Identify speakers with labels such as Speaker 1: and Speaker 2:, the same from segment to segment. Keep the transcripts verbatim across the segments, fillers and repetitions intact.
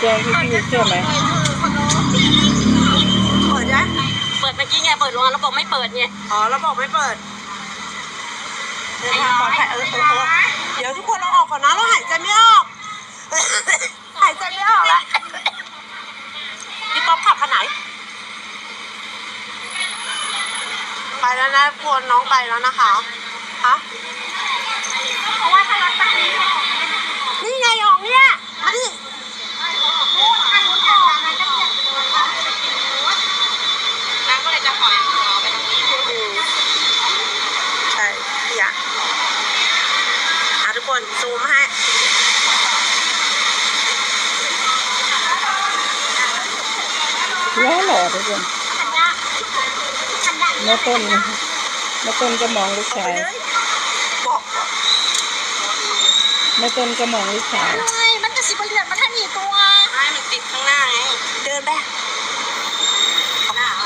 Speaker 1: จ้งพี่พี่เชื่อไหม
Speaker 2: เปิดยัง
Speaker 3: เปิดเมื่อกี้ไงเปิดโรงงานแล้วบอกไม่เปิดไง
Speaker 2: อ๋อเราบอกไม่เปิดเดินทางปลอดภัยเออเออเออเดี๋ยวทุกคนเราออกก่อนนะเราหายใจไม่ออกหายใจไม่ออกละพี่ป๊อปขับคันไหนไปแล้วนะพวนน้องไปแล้วนะคะฮะ
Speaker 3: เพราะว่าถ้ารถแบบนี้
Speaker 2: นี่ไงออกเนี่ยมาดิ
Speaker 3: น้ำก็เลยจะปล่อยหัวไปตรงนี้
Speaker 2: ใช่พี่อะอ่ะทุกคนซูมให้
Speaker 1: ล้อหล่อทุกคนแม่ต้นแม่ต้นก็มองลูกชายแม่ต้นก็มองลูกชาย
Speaker 3: ใช่มันจะสิบเหรียญมันให้หนีตัว
Speaker 2: ไม่มันติดข้างหน้าไงเดินไปหน้า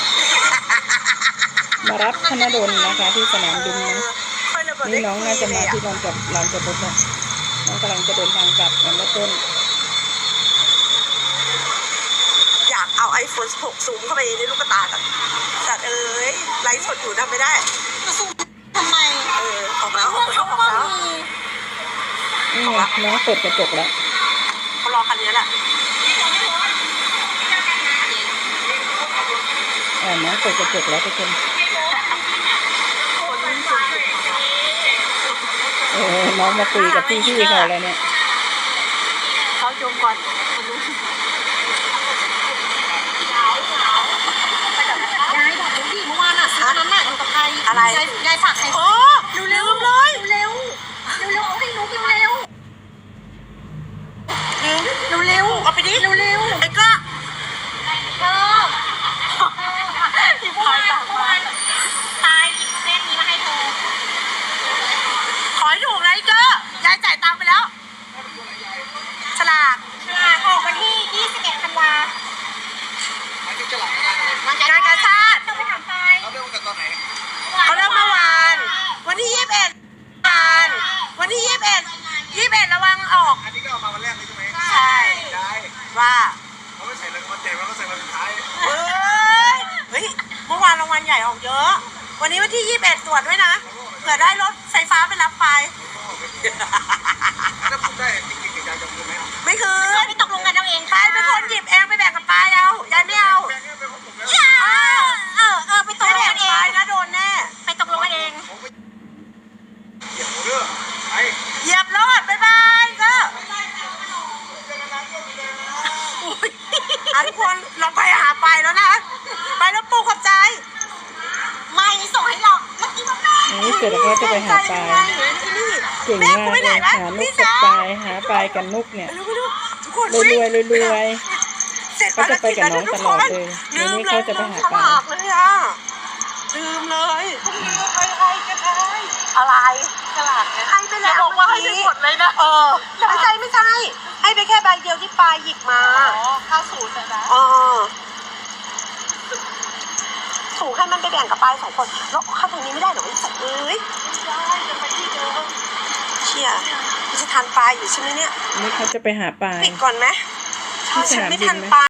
Speaker 1: มารับธนดลนะคะที่สนามบินนะนี่น้องน่าจะมาที่ลานจอดลานจอดรถนะน้องกำลังจะเดินทางกลับกับแม่ต้น
Speaker 2: อยากเอาไอโฟนหกซูมเข้าไปในลูกตากันจัดเอ้ยไลฟ์สดอยู่ทำไม่ได้
Speaker 3: จะซูมทำไม
Speaker 2: เออออกแล้วออกแล้วออกแล้ว
Speaker 1: นี่ไงน้องเปิดกระจกแล้ว
Speaker 2: เขารอคันนี้แหละ
Speaker 1: อ่าน้องเปิดกระจกแล้วทุกคนเออน้องมาคุยกับพี่พี่เขาแล้วเนี่ย
Speaker 2: เขาจมก่อน
Speaker 3: ยายบอกดิเมื่อวานอ่ะซื้อนั้นน่ะอยู่กับใคร
Speaker 2: อะไร
Speaker 3: ยายฝากใคร
Speaker 2: โอ้เร็วๆเลย
Speaker 3: เร็วเร็วเอาให้นุ๊กเร็ว
Speaker 2: เร็วเร็วเอาไปดิ
Speaker 3: เร็วเร็ว
Speaker 2: ไอ้ก็
Speaker 3: เธอที่พายตายตายหยิบเส้นนี้มาให้เธอ
Speaker 2: ขอให้ถูกนะไอ้ก็ยายจ่ายตังค์ไปแล้วฉลาก
Speaker 3: ฉลากออกวันที่ยี่สิบเอ็ดธันวา
Speaker 2: งานกาชาติ
Speaker 3: ต้องไปถามไป
Speaker 4: เขาเริ่มกันตอนไหน
Speaker 2: เขาเริ่มเมื่อวานวันที่ยี่สิบเอ็ดวันวันที่ยี่สิบเอ็ดยี่สิบเอ็ดระวังออก
Speaker 4: อันนี้ก็ออกมาวันแรกเลยใช่ไหม
Speaker 2: ใช่
Speaker 4: ได้
Speaker 2: ว่า
Speaker 4: เขาไม่ใส่เลยวันเต็มแล้วก็ใส่วันสุดท้าย
Speaker 2: เฮ้ยเฮ้ยเมื่อวานรางวัลใหญ่ออกเยอะวันนี้วันที่ยี่สิบเอ็ดตรวจด้วยนะเผื่อได้รถไฟฟ้าไปรับไป
Speaker 4: ถ้าพูดได้จริงๆยายจะพูดไหม
Speaker 2: ไม่คือ
Speaker 3: ไม่ตกลงกันเอาเอง
Speaker 2: ไปเป็นคนหยิบเองไปแบ่งกับปายเอายายไม่เอา
Speaker 3: เออเออไปตกลงกันเอง
Speaker 2: นะโดนแน่
Speaker 3: ไปตกลงกันเอง
Speaker 4: เหยียบหัวเรือไป
Speaker 2: เหยียบรถบ๊ายบายก็ทุกคนลองไปหาไปแล้วนะไปแล้วปูขอบใจ
Speaker 3: ไม่ส่งให้หรอกเมื่อกี้ว่าแม่
Speaker 1: นี่เสร็จแล้วก็จะไปหาปลาเก่งมากเลยหานุกกับปลาหาปลากับนุกเนี่ยรวยรวยรวยรวยเขาจะไปกับน้องตลอดเลยนี่นี่เขาจะไปหาปลา
Speaker 2: เลยอ่ะลืมเลยใครใครจะใครอะไรฉลาดไงให้ไปแล้ว
Speaker 3: บอกว่าให้ไปกดเลยนะ
Speaker 2: เออไม่ใช่ไม่ใช่ให้ไปแค่ใบเดียวที่ปลาหยิบมา
Speaker 3: อ๋อข้าวสูตรนะ
Speaker 2: อ๋อถูกให้มันไปแบ่งกับปลายสองคนแล้วเข้าทางนี้ไม่ได้หรอไอ้สัตว์เอ้ย
Speaker 3: ได้จะไปที่เดิม
Speaker 2: เชี่ยจะทานปลาอยู่ใช่ไหมเนี่ย
Speaker 1: นี่เขาจะไปหาปลา
Speaker 2: ปิดก่อนไหม
Speaker 1: ที่สนามบินไหม